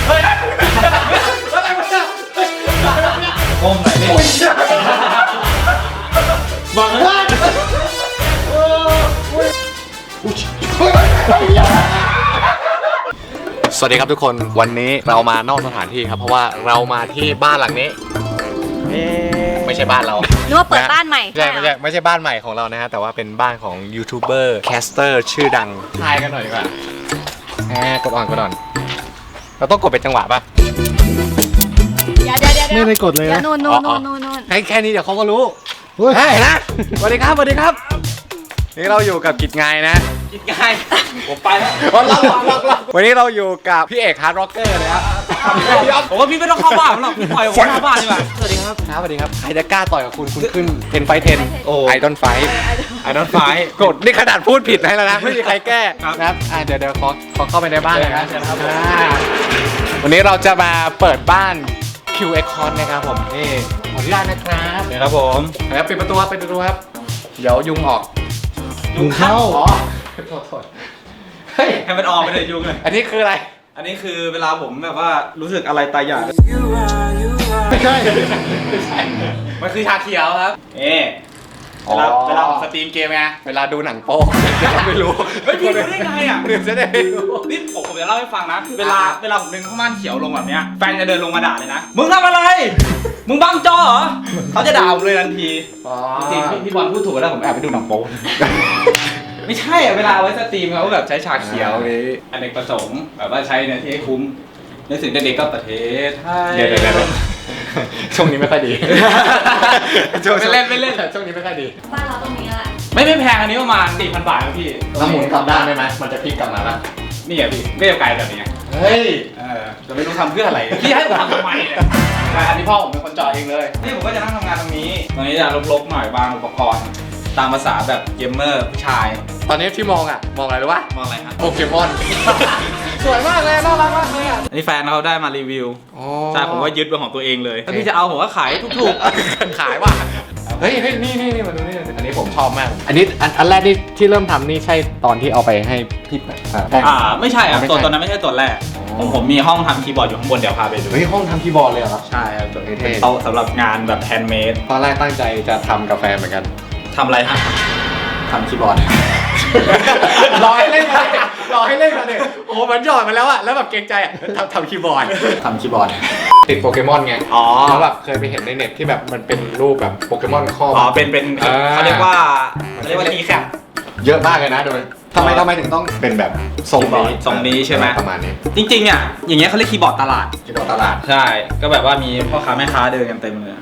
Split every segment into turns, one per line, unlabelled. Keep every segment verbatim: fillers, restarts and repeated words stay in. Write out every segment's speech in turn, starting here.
เฮ้ยอะไรวะเนี่ยก้มหน่อยดิบังเลยสวัสดีครับทุกคนวันนี้เรามานอกสถานที่ครับเพราะว่าเรามาที่บ้านหลังนี้ไม่ใช่บ้านเรา
นึกว่าเปิดบ้านใหม่
ไม่ใช่ไม่ใช่ไม่ใช่บ้านใหม่ของเรานะฮะแต่ว่าเป็นบ้านของยูทูบเบอร์แคสเตอร์ชื่อดังทายกันหน่อยดีกว่าแหมกดอ่อนกดอ่อนเราต้องกดเป็นจังหวะป่ะ
เดี๋ยวเดี๋ยวเดี๋ยว
ไม่ได้กดเลยนะ
นู่นนู่นนู่นนู่นนู่น
แค่แค่นี้เดี๋ยวเขาก็รู้เฮ้ยนะสวัสดีครับสวัสดีครับนี่เราอยู่กับกิจงายนะ
กิจงายผมไปแล้ว
วันนี้เราอยู่กับพี่เอกฮาร์ดร็อกเกอร์นะครับ
ผมว่าพี่ไม่ต้องเข้าบ้านหรอกพี่ปล่อยผมเข้าบ้านดีกว่าสวัสดีครับ
สวัสดีครับใครจะกล้าต่อยกับคุณคุณขึ้นเทนไฟเทนไอดอนไฟไอดอนไฟกดนี่ขนาดพูดผิดให้แล้วนะไม่มีใครแก้นะครับเดี๋ยวเดี๋ยวขอขอเข้าไปในบ้านเลยนะวันนี้เราจะมาเปิดบ้าน คิว เอ็กซ์ คอน นะครับผมนี่ขออนุญาตนะครับ
เดี๋ยวครับผม
แล้วปิดประตูปิดประตูครับเดี๋ยวยุงออก
ยุงเข้า
อ๋อโทษโทษเฮ้ย
ให้มันออกไปเลยยุงเลย
อันนี้คืออะไร
อันนี้คือเวลาผมแบบว่ารู้สึกอะไรตายอยาก
ไม่ใช่
ไม่ใช่
มันคือชาเขียวครับเอ๊เวลาเวลาผมสตรีมเกมไง
เวลาดูหนังโป๊ไม่รู้
เฮ้ยพี่รู้ได้ไงอ่ะ
จะได้ไม่รู้
นี่ผมผมจะเล่าให้ฟังนะเวลาเวลาผมดึงผ้าม่านเขียวลงแบบเนี้ยแฟนจะเดินลงมาด่าเลยนะมึงทำอะไรมึงบังจอเหรอเขาจะด่าผมเลยทันทีจริงพี่บอลพูดถูกแล้วผมแอบไปดูหนังโป๊ไม่ใช่เวลาเอาไว้สตรีมเขาแบบใช้ฉากเขียวนี้อเนกประสงค์แบบว่าใช้เนื้อที่ให้คุ้มในสิ่งเด็กๆก็ประเทศไทย
เดี๋ยวเดี๋ยวช่วงนี้ไม่ค่อยดี
ไม่เล่นไม่เล่น
ช่วงนี้ไม่ค่อยดี
บ้านเราตรงนี้แหละ
ไม่ไม่แพงอันนี้ประมาณ สี่พัน บาทครับพี่
ถ้าหมุนกลับด้านได้ไหมมันจะพลิกกลับมาป่ะ
นี่อ่ะพี่ก็จะไกลแบบนี้
เฮ้ย
เออจะไม่รู้ทำเพื่ออะไรพี่ให้ผมทำทำไมเนี่ยอันนี้พ่อผมเป็นคนจอดเองเลยนี่ผมก็จะนั่งทำงานตรงนี้ตรงนี้จะลกๆหน่อยบางอุปกรณ์ตามภาษาแบบเกมเมอร์ผู้ชาย
ตอนนี้ที่มองอ่ะมองอะไรรู้ป่ะ
มองอะไรครับ
โปเกมอนสวยมากเลยน่ารักมากเลยอ่ะ
อันนี้แฟนเขาได้มารีวิวใช่ผมว่ายึดเป็นของตัวเองเลยถ้าพี่จะเอาผมก็ขายถูก
ๆขายว่ะเฮ้ยนี่นี่นี่มาดูนี่อันนี้ผมชอบมากอันนี้อันแรกที่ที่เริ่มทำนี่ใช่ตอนที่เอาไปให้พี่
อ่าไม่ใช่อ่ะตัวตอนนั้นไม่ใช่ตัวแรกผมผมมีห้องทำคีย์บอร์ดอยู่ข้างบนเดี๋ยวพาไปดู
เฮ้ยห้องทำคีย์บอร์ดเลยเหรอครับ
ใช่ครับตัวนี้โต๊ะสำหรับงานแบบแฮนด์เมด
ตอนแรกตั้งใจจะทำกาแฟเหมือนกัน
ทำอะไรฮะทำคีย์บอร์ด
รอให้เล่นมาเลยรอให้เล่นมาเลยโอ้มันหยอดมาแล้วอะแล้วแบบเกรงใจอะทำทำคีย์บอร์ด
ทำคีย์บอร์ด
ติดโปเกมอนไงอ๋อแล้วแบบเคยไปเห็นในเน็ตที่แบบมันเป็นรูปแบบโปเกมอนข้อ
อ๋อเป็นเป็นเขาเรียกว่าเขาเรียกว่าทีแคป
เยอะมากเลยนะโดยทำไมทำไมถึงต้องเป็นแบบทรงนี้
ทรงนี้ใช่ไหม
ประมาณนี้
จริงๆอ่ะอย่างเงี้ยเขาเรียกคีย์บอร์ดตลาด
คีย์บอร์ดตลาด
ใช่ก็แบบว่ามีพ่อค้าแม่ค้าเดินกันเต็มเลย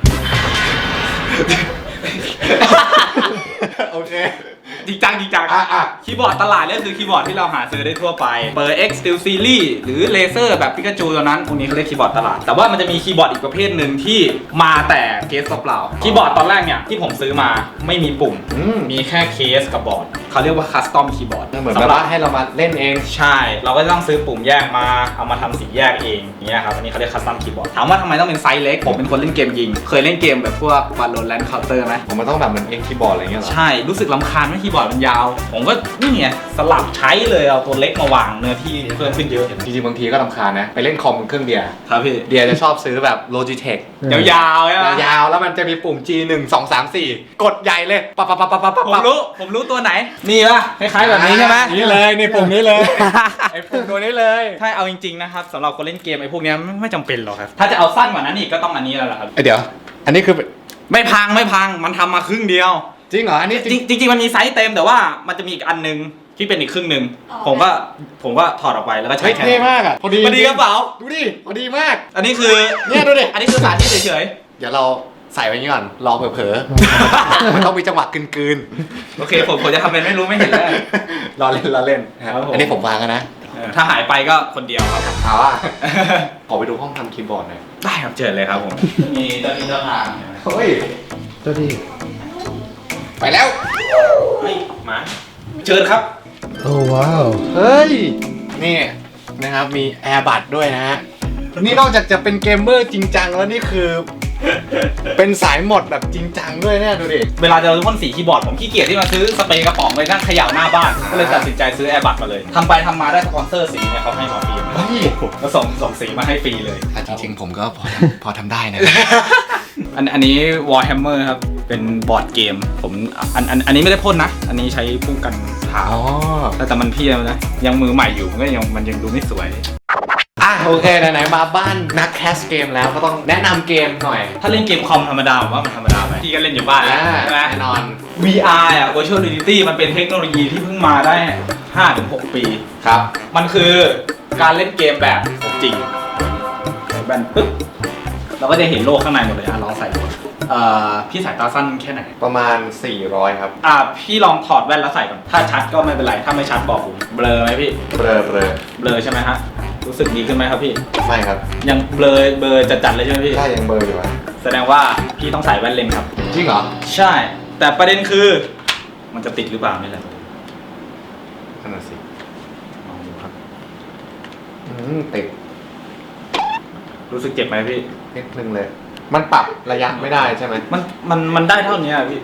โอเค
จริงจังจริงจังคีย์บอร์ดตลาดเนี่ยคือคีย์บอร์ดที่เราหาซื้อได้ทั่วไปเบอร์ X Steel Series หรือเลเซอร์แบบปิกาจูตัวนั้นพวกนี้เขาเรียกคีย์บอร์ดตลาดแต่ว่ามันจะมีคีย์บอร์ดอีกประเภทหนึ่งที่มาแต่เคสเปล่าคีย์บอร์ดตอนแรกเนี่ยที่ผมซื้อมาไม่มีปุ่มมีแค่เคสกับบอร์ดเขาเรียกว่าคัสตอมคีย์บอร์ด
เหมือนแบบว่าให้เรามาเล่นเอง
ใช่เราก็ต้องซื้อปุ่มแยกมาเอามาทำสีแยกเองอย่างเงี้ยครับอันนี้เขาเรียกคัสตอมคีย์บอร์ดถามว่าทำไมต้องเป็นไซส์เล็กผมเป็นคนเล่นเกมยิงเคยเล่นเกมแบบพวก Valorant Counter ไหม
ผมมันต้องแบบเหมือนเองคีย์บอร์ดอะไรเงี้ยหรอ
ใช่รู้สึกรำคาญว่าคีย์บอร์ดมันยาวผมก็นี่ไงสลับใช้เลยเอาตัวเล็กมาวางเนื้อที่เพิ่มขึ้นเยอะ
จริงๆบางทีก็รำคาญนะไปเล่นคอมเครื่องเดีย
ครับพี่
เดียจะชอบซื้อแบบ Logitech
ยาวๆใช่ไหม
ยาวแล้วมันจะมีปุ่ม จี หนึ่ง สอง สาม สี่ กดใหญ่เลยปั๊บปั๊บปั๊บปั๊บปั๊บ
ผมรู้ผมรู้ตัวไหนนี่ป่ะคล้ายๆแบบนี้ใช่ไหม
นี่เลยนี่ปุ่มนี้เลยไอ้ปุ่มตัวนี้เลย
ใช่เอาจริงๆนะครับสำหรับคนเล่นเกมไอ้พวกนี้ไม่จำเป็นหรอกครับถ้าจะเอาสั้นกว่านั้นอีกก็ต้องอันนี้แล้วล่ะครับ
เดี๋ยวอันนี้คือ
ไม่พังไม่พังมันทำมาครึ่งเดียว
จริงเหรออันนี้
จริงจริงมันมีไซส์เต็มแต่ว่ามันจะมีอีกอันนึงที่เป็นอีกครึ่งหนึ่งผมก็ผมก็ถอดออกไปแล้วก็ใช้แทน
เท่มากอ่ะ
พอดีพอดีกระเป๋า
ดูดิพอดีมาก
อันนี้คือ
เนี่ยดูดิ
อันนี้คือสาธิตเฉย
ๆเดี๋ยวเราใส่ไว้นี้ก่อนรอเผลอๆมันต้องมีจังหวะกลืน
ๆโอเคผมผมจะทำเป็นไม่รู้ไม่เห็นแล้ว
รอเล่นรอเล่นอันนี้ผมวางกันนะ
ถ้าหายไปก็คนเดียวครับ
เอาอ่ะขอไปดูห้องทำคีย์บอร์ดหน่อย
ได้ครับเชิญเลยครับผมมีเจ้าที่เจ้าทาง
เฮ้ย
เจ้าที่
ไปแล้ว
เฮ้ยมาเชิญครับ
โอ้ว้าว
เฮ้ยนี่นะครับมีแอร์บัดด้วยนะฮะนี่นอกจากจะเป็นเกมเมอร์จริงจังแล้วนี่คือเป็นสายหมดแบบจริงจังด้วยเนี่ยดูดิ
เวลาจะพ่นสีคีย์บอร์ดผมขี้เกียจที่มาซื้อสเปรย์กระป๋องไปนั่งเขย่าหน้าบ้านก็เลยตัดสินใจซื้อแอร์บัดมาเลยทำไปทำมาได้สปอนเซอร์สีเนี่ยเขาให้มาฟรี
เฮ้ย
แล้วส่งส่งสีมาให้ฟรีเลย
อ่ะจริงๆผมก็พอพอทำได้นะ
อันอันนี้ Warhammer ครับ เป็นบอร์ดเกม ผมอันอันอันนี้ไม่ได้พ่นนะ อันนี้ใช้พุ่งกันเผา
อ๋อ
แต่แต่มันเพี้ยนนะ ยังมือใหม่อยู่มันก็ยังมันยังดูไม่สวย
อ่ะโอเคไหนๆมาบ้านนักแคสเกมแล้วก็ต้องแนะนำเกมหน่อย
ถ้าเล่นเกมคอมธรรมดาผมว่ามันธรรมดาไปพี่ก็เล่นอยู่บ้านแล้ว
อ่า
ใช่ไหม
แน่นอน
วี อาร์ อ่ะ Virtual Reality มันเป็นเทคโนโลยีที่เพิ่งมาได้ ห้าถึงหก ปี
ครับ
มันคือการเล่นเกมแบบของจริงใส่แว่นปึ๊บเราก็จะเห็นโลกข้างในหมดเลยอ่ะลองใส่ดูเอ่อพี่สายตาสั้นแค่ไหน
ประมาณสี่ร้อยครับ
อ่ะพี่ลองถอดแว่นแล้วใส่ก่อน ถ้าชัดก็ไม่เป็นไร ถ้าไม่ชัดบอกผมเบลอไหมพี่
เบลอเบลอ
เบลอใช่ไหมฮะ รู้สึกดีขึ้นไหมครับพี่
ไม่ครับ
ยังเบลอเบลอจัดๆเลยใช่ไหมพี่
ถ้ายังเบลออยู่อ่ะ
แสดงว่าพี่ต้องใส่แว่นเลนส์ครับ
จริงเหรอ
ใช่ แต่ประเด็นคือ มันจะติดหรือเปล่านี่แหละ
นั่นน่ะสิ
ลองดูครับ
อืมติด
รู้สึกเจ็บไหมพี่
นิดนึงเลย มันปรับระยะไม่ได้ใช่ไหม
มันมันมันได้เท่านี้อะพี่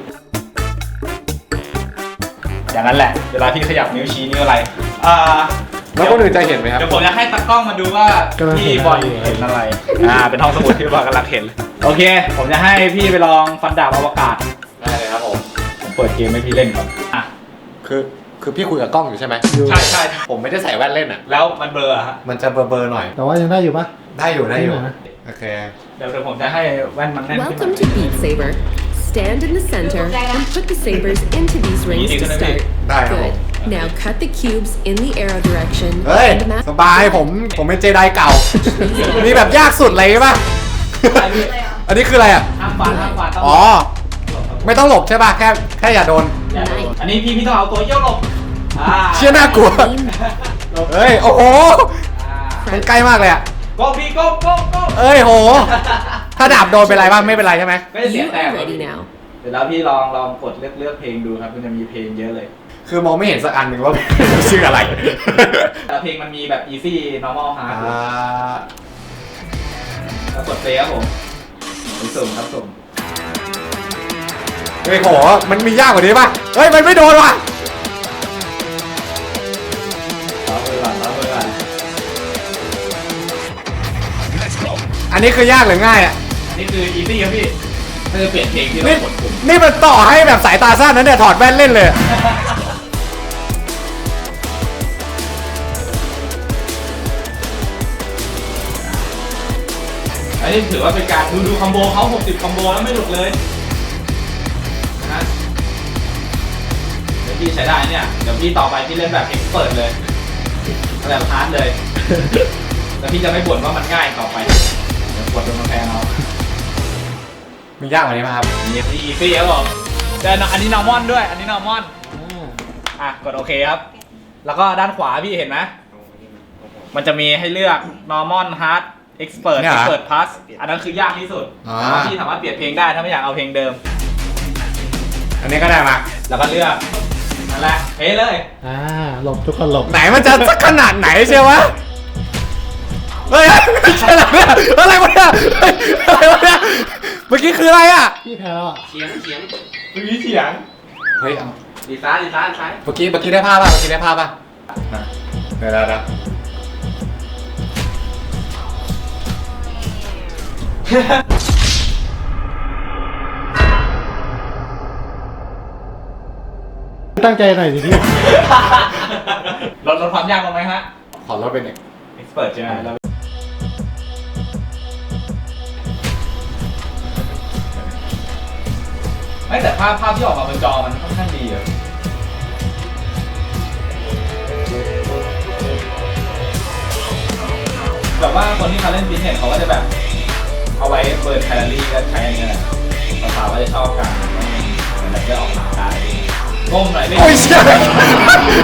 อย่างนั้นแหละ เวลาพี่ขยับนิ้วชี้นิ้วอะไร อ่า
แล้วคนอื่นจะเห็นไหมครับ
เดี๋ยวผมจะให้ตากล้องมาดูว่าพี่บอยเห็นอะไร อ่า เป็นห้องสมุดที่บอยกำลังเห็นเลยโอเค ผมจะให้พี่ไปลองฟันดาบอวกาศ
ได้เลยครับผม
ผมเปิดเกมให้พี่เล่นก่อน อ่ะ
คือคือพี่คุยกับกล้องอยู่ใช่ไหม
ใช่ใช่
ผมไม่ได้ใส่แว่นเล่นอ่ะ
แล้วมันเบลอร์ฮะ
มันจะเบลอเบลอหน่อย
แต่ว่ายังได้อยู่ปะ
ได้อยู่ได้อยู่
ได้อยู่นะ
โอเค
เดี๋ยวเดี๋ยวผมจะให้แว่นมันแน่นขึ้น
Welcome to Beat Saber. Stand in the center and put the sabers into these rings to start.
ได้ครับผม
Good. Now cut the cubes in the arrow direction
เฮ้ย
and map
สบายผมผมเป็นเจไดเก่า มีแบบยากสุดเลยป่ะ อันนี้คืออะไรอ่ะ
ห้ามฟันห้ามฟันต้อง
อ๋อ ไม่ต้องหลบใช่ป่ะ แค่แค่อย่าโดน
อย่าโดนอันนี้พี่พี่ต้องเอาตัวเยี่ยวหลบอ่า
เชี่ยน่ากลัว
หลบ
เฮ้ย โอ้โห
อ่า
มันใกล้มากเลยอ่ะ
โก้พี่โก้โก้โก้
เอ้ยโห ถ้าดาบโดนเป็นไรบ้างไม่เป็นไรใช่ไหม
ไม่ได้เสีย
You
แต้ม
are ready now.
เดี๋ยวแล้วพี่ลองลองกดเลือกเลือกเพลงดูครับมันจะมีเพลงเยอะเลย
คือมองไม่เห็นสักอันหนึ่งว่า ชื่ออะไร
แต่เพลงมันมีแบบ easy normal hard
อ่า
แล้วกดเพลงครับผมผมสุ่มครับสุ่ม
เฮ้ยโห มันมียากกว่านี้ป่ะ เฮ้ย มันไม่โดนว่ะ
ล้อมือก่อนล้อมือก่อน
อันนี้คือยากหรือง่ายอ่ะ
นี่คือ easy ครับพี่ถ้าจะเปลี่ยนเพลงที่เรา
นี่
กดปุ่ม
นี่มันต่อให้แบบสายตาสั้นนั้นเนี่ยถอดแว่นเล่นเลย
อันนี้ถือว่าเป็นการดูดูคอมโบเขาหกสิบคอมโบแล้วไม่หลุดเลยนะเดี๋ยวพี่ใช้ได้เนี่ย เดี๋ยวพี่ต่อไปพี่เล่นแบบเอ็กซ์เปิดเลยแบบฮาร์ดเลย แล้วพี่จะไม่บ่นว่ามันง่ายต่อไป เดี๋ยวกดลงมาแพงเอา
มียากกว่านี้ป่ะครับ
มีที่อีซี่ครับผมแต่อันนี้นอร์มอนด้วย อันนี้นอร์มอนอ่ะกดโอเคครับ แล้วก็ด้านขวาพี่เห็นไหมมันจะมีให้เลือก normal hard expert
เนี่ยเหรอ
expert plus อันนั้นคือยากที่สุด
อ่า
แต่ว่าพี่สามารถเปลี่ยนเพลงได้ถ้าไม่อยากเอาเพลงเดิม
อันนี้ก็ได้มา
แล้วก็เลือกนั่นแหละเฮ้เลย
อ่าหลบทุกคนหลบ
ไหนมันจะสักขนาดไหนเชียววะ เฮ้ยไม่ใช่อะไรเนี่ยอะไรวะเนี่ยเฮ้ยอะไรวะเนี่ย เมื่อกี้คืออะไรอ่ะ
พี่แพ้แล้วอ่ะ
เสียงเสียงมีเสียง
เฮ้ยเอา
ดีซ้ายดีซ้ายดีซ้าย
เมื่อกี้เมื่อกี้ได้ภาพป่ะ เมื่อกี้ได้ภาพป่ะนะเดี๋ยวเดี๋ยวเดี๋ยว
ตั้งใจหน่อยสิพี่
ลดลดความยากลงไหมฮะ
ขอลดเป็น
expert ใช่ไหมแล้วไม่แต่ภาพภาพที่ออกมาบนจอมันค่อนข้างดีอะแบบว่าคนที่เขาเล่นฟิตเนสเขาก็จะแบบ เอาไว้เบิร์นแคลอรี่ก็ใช้อันนี้แหละสาวๆก็จะชอบกันเหมือนแบบได้ออกกำลังกายก้มหน่อยไม่
โอ้ยเชี่ย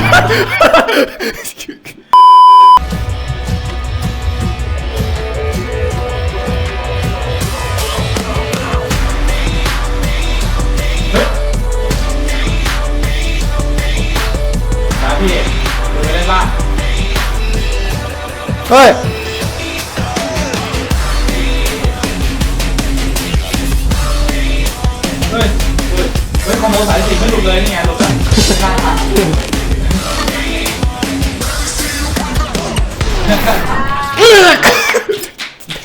นะพี่ดูไปเล่นบ้าง
เฮ้ย
เฮ้ย เฮ้ย เฮ้ยคอมโบสายสิบไม่หลุดเลยนี่ไงหลุดแล้วกล้าทำ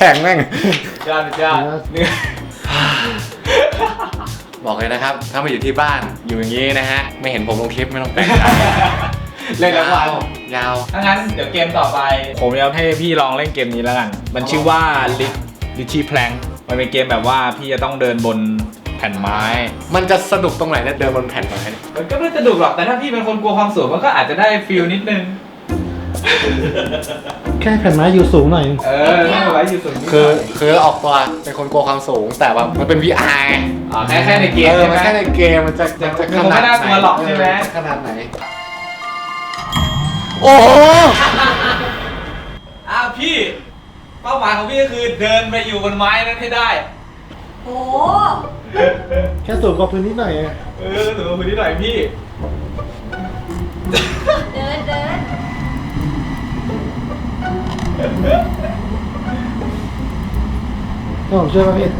ข่งแม่ง
ยอดยอดเนื้อ
บอกเลยนะครับ ถ้ามาอยู่ที่บ้านอยู่อย่างนี้นะฮะ ไม่เห็นผมลงคลิปไม่ต้องแปลกใจ
เล่นทั้งวัน
ยาว
ถ้างั้นเดี๋ยวเกมต่อไป ผมจะให้พี่ลองเล่นเกมนี้แล้วกัน มันชื่อว่า Litchi Plank มันเป็นเกมแบบว่าพี่จะต้องเดินบนแผ่นไม้
มันจะสนุกตรงไหนเนี่ยเดินบนแผ่นไม้เนี่ย
มันก็ไม่สนุกหรอก แต่ถ้าพี่เป็นคนกลัวความสูงมันก็อาจจะได้ฟีลนิดนึง
แค่แผ่นไม้อยู่สูงหน่อยนึง
เออไม่ไว้อยู่สูงนิดหน่ย
คือคือออกตัวเป็นคนกลัวความสูงแต่ว่ามันเป็น วี อาร์ ไง
อ๋อแค่แค่ในเกม
เออ
ใช่
มัน
ไหม
แค่ในเกมมันจะจะจะขนาด
มันไม่น่ากลัวหรอกใช่ไหม
ขนาดไหน โอ้โห
อ้าวพี่ เป้าหมายของพี่ก็คือเดินไปอยู่บนไม้นั้นให้ได้
โอ้
แค่สูงกว่าพื้นนิดหน่อยไง
เออถือว่าพื้นที่หน่อยพี่
เดินเดิน
ก็ผมช่วยป่ะพี่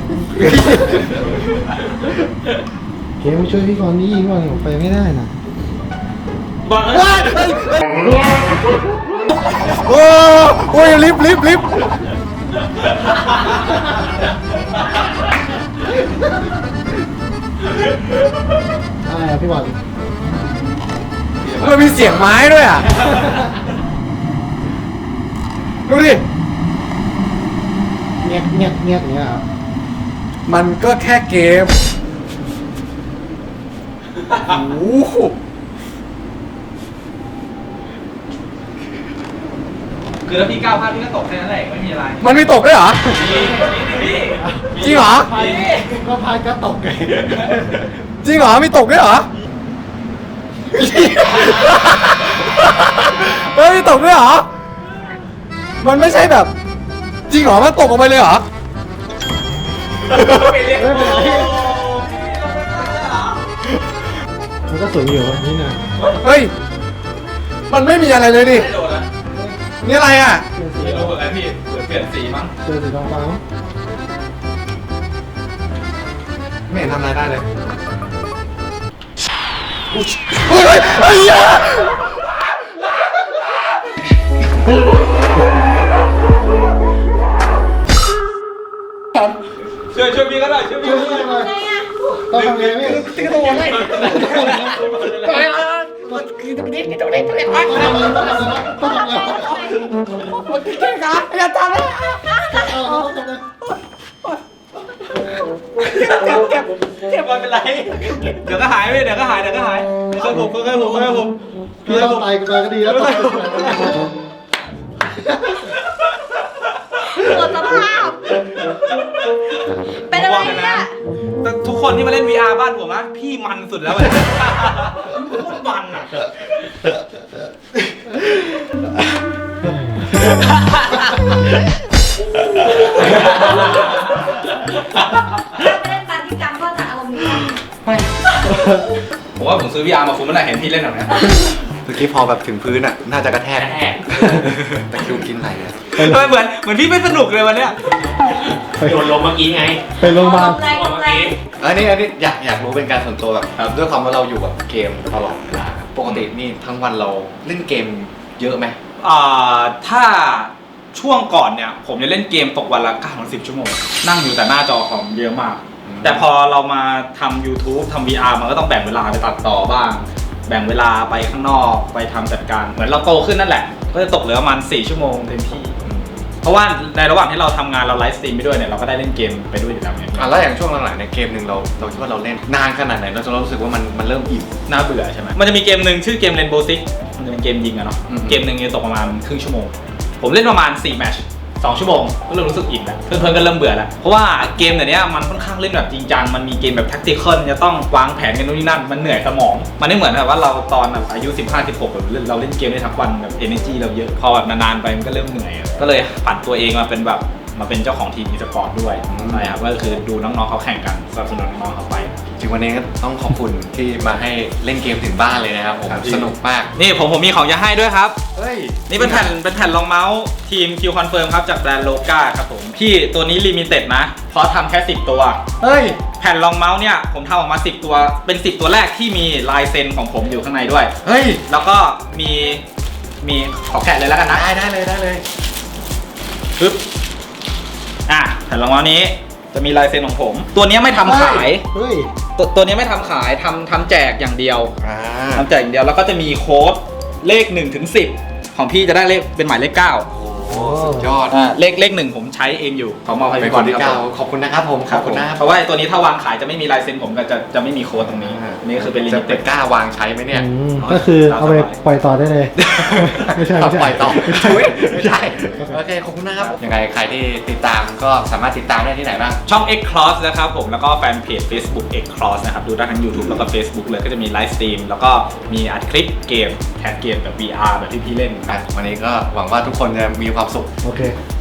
เกมมาช่วยพี่ก่อนนี่ก่อนผมไปไม่ได้นะ
บอลเอ้ย
โอ้โอ้ยลิฟต์ลิฟต์ลิฟต์
อะไรอะพี่บอล
มันมีเสียงไม้ด้วยอ่ะ ดูดิ
เงียบเงียบเงียบอย่างเงี้ยครับ
มันก็แค่เกม โอ้โห
คือถ้าพี่ก้าวพลาดพี่ก็ตกแค่นั้นแหละไม่มีอะไร
มันไม่ตกด้วยเหรอ
พี่พี่
จริงเหรอ
พายก็พายก็ตกไง
จริงเหรอไม่ตกด้วยเหรอ เฮ้ยไม่ตกด้วยเหรอ มันไม่ใช่แบบ จริงเหรอมันตกออกไปเลยเหรอ
ไปเรียก
ไม่เป็นไรมันก็สูงอยู่นิดหน่อย
เฮ้ย มันไม่มีอะไรเลยดิ
ไม่โดนนะ
นี่อะไรอ่ะ
ไม่โดนเหมือนกันพี่เปลี่ยนสีมั้ง
เจอสีทองฟ้ามั้ง
ไม่เห็นทำอะไรได้เลยอุ๊ยเฮ้ยเฮ้ยเฮ้ยอย่า
ช่วยช่วยพี่ก็ได้ช่วยพี่ก็ได้
ไงอะ
ต้องทำไงพี่
ติ๊กตัวเลยอย่าทำเลย
เจ็บมันเป็นไร เดี๋ยวก็หายไปเดี๋ยวก็หายเดี๋ยวก็หายค่อยๆผมค่อยๆผมค่อยๆผม
พี่ต้องตายกันไปก็ดีแล้วตาย
หมดสภาพ เป็นอะไรเนี่ย
แต่ทุกคนที่มาเล่น วี อาร์ บ้านผมนะพี่มันสุดแล้วเลยโคตรมันอ่ะ
ถ้าไปเล่นปันที่กรรมก็จะอารมณ์นี้
ผมว่าผมซื้อ วี อาร์ มาคุ้มเมื่อไหร่เห็นพี่เล่นแบบนี้
เมื่อกี้พอแบบถึงพื้นอ่ะ น่าจะกระแทกแต่คิวกินไหนอ่ะ
ทำไมเหมือนเหมือนพี่ไม่สนุกเลยวันเนี้ย
โดนลมเมื่อกี้ไง
ไปโรงพยาบาล
ตกใจตกใจ
อันนี้อันนี้อยากอยากรู้เป็นการส่วนตัวแบบด้วยความว่าเราอยู่กับเกมตลอดเวลาปกตินี่ทั้งวันเราเล่นเกมเยอะไหม
อ่าถ้าช่วงก่อนเนี่ย ผมจะเล่นเกมตกวันละเก้าถึงสิบชั่วโมง นั่งอยู่แต่หน้าจอคอมเยอะมาก แต่พอเรามาทำ YouTube ทำ วี อาร์ มันก็ต้องแบ่งเวลาไปตัดต่อบ้าง แบ่งเวลาไปข้างนอกไปทำจัดการ เหมือนเราโตขึ้นนั่นแหละ ก็จะตกเหลือประมาณสี่ชั่วโมงเต็มที่ เพราะว่าในระหว่างที่เราทำงานเราไลฟ์สตรีมไปด้วยเนี่ยเราก็ได้เล่นเกมไปด้วยอยู่แล้วเนี่ย
อ่ะแล้วอย่างช่วงหลังๆในยเกมหนึ่งเราเราคิดว่าเราเล่นนานขนาดไหนเราจนเรารู้สึกว่ามันมันเริ่มอิ่ม
น่าเบื่อใช่ไหมมันจะมีเกมหนึ่งชื่อเกม Rainbow Six มันจะเป็นเกมยิงอะเนาะ
อืม
เกมหนึ่งจะตกประมาณครึ่งชั่วโมง ผมเล่นประมาณสี่แมตช์สองชั่วโมงก็เริ่มรู้สึกอิ่มแล้วเพื่อนๆก็เริ่มเบื่อแล้วเพราะว่าเกมแบบเนี้ยมันค่อนข้างเล่นแบบจริงจังมันมีเกมแบบแท็กติคอลจะต้องวางแผนกันนู่นนี่นั่นมันเหนื่อยสมอง มันไม่เหมือนแบบว่าเราตอนแบบอายุสิบห้า สิบหกแบบเราเล่นเกมได้ทั้งวันแบบ energy เราเยอะพอแบบนานๆไปมันก็เริ่มเหนื่อยอะก็เลยผันตัวเองมาเป็นแบบมาเป็นเจ้าของทีมอีสปอร์ตด้วยใช่ครับก็คือดูน้องๆเขาแข่งกันสนับสนุนน้องๆเขาไป
จริงวันนี้ก็ต้องขอบคุณที่มาให้เล่นเกมถึงบ้านเลยนะครับผม
ครับพี่
สนุกมาก
นี่ผมผมมีของจะให้ด้วยครับ
เฮ้ย
นี่เป็นแผ่นเป็นแผ่นรองเมาส์ทีม Q Confirm ครับจากแบรนด์โลกาครับผมพี่ตัวนี้ลิมิเต็ดนะ เพราะทำแค่สิบตัว
เฮ้ย
แผ่นรองเมาส์เนี่ยผมทำออกมาสิบตัวเป็นสิบตัวแรกที่มีลายเซ็นของผมอยู่ข้างในด้วย
เฮ้ย
แล้วก็มีมีขอแกะเลยแล้วกันนะ
ได้ได้เลยได้เลย
ปึ๊บอ่ะแผ่นรองเท้านี้จะมีลายเซ็นของผม ตัวนี้ไม่ทำขาย
เฮ้ย
ตัวตัวนี้ไม่ทำขายทำทำแจกอย่างเดียว
อ่า
ทำแจกอย่างเดียวแล้วก็จะมีโค้ดเลขหนึ่งถึงสิบของพี่จะได้เลขเป็นหมายเลขเก้า
โอ้สุดยอด
อ่าเลขเลขหนึ่งผมใช้เองอยู่ขอมอบให้
เป็น
พี่บ
ค
อล
นที่
ค
เก้า
รับผม
ขอบคุณนะครับผมขอบคุณนะครับ
เพราะว่าตัวนี้ถ้าวางขายจะไม่มีลายเซ็นผมก็จะจะไม่มีโค้ดตรงนี้ นี่คือเป็นลิ
จะ
มิ
เป็
เต็
น
ด
กล้าวางใช้ไหมเนี่ย
อืมก็คือเอาไปปล่อยต่อได้เลย ไม่ใช่ไม่ใช่
ปล่อยต่อ
ไม่ใช่
อุ๊ยไม่ใช่โอเคขอบคุณนะครับยังไงใครที่ติดตามก็สามารถติดตามได้ที่ไหนบ้าง
ช่อง X Cross นะครับผมแล้วก็แฟนเพจ Facebook X Cross นะครับดูได้ทั้ง YouTube แล้วก็ Facebook เลยก็จะมีไลฟ์สตรีมแล้วก็มีอัดคลิปเกมแคสเกมแบบ วี อาร์ แบบที่พี่เล่น
อ่ะวันนี้ก็หวังว่าทุกคนจะมีความสุข
โอเค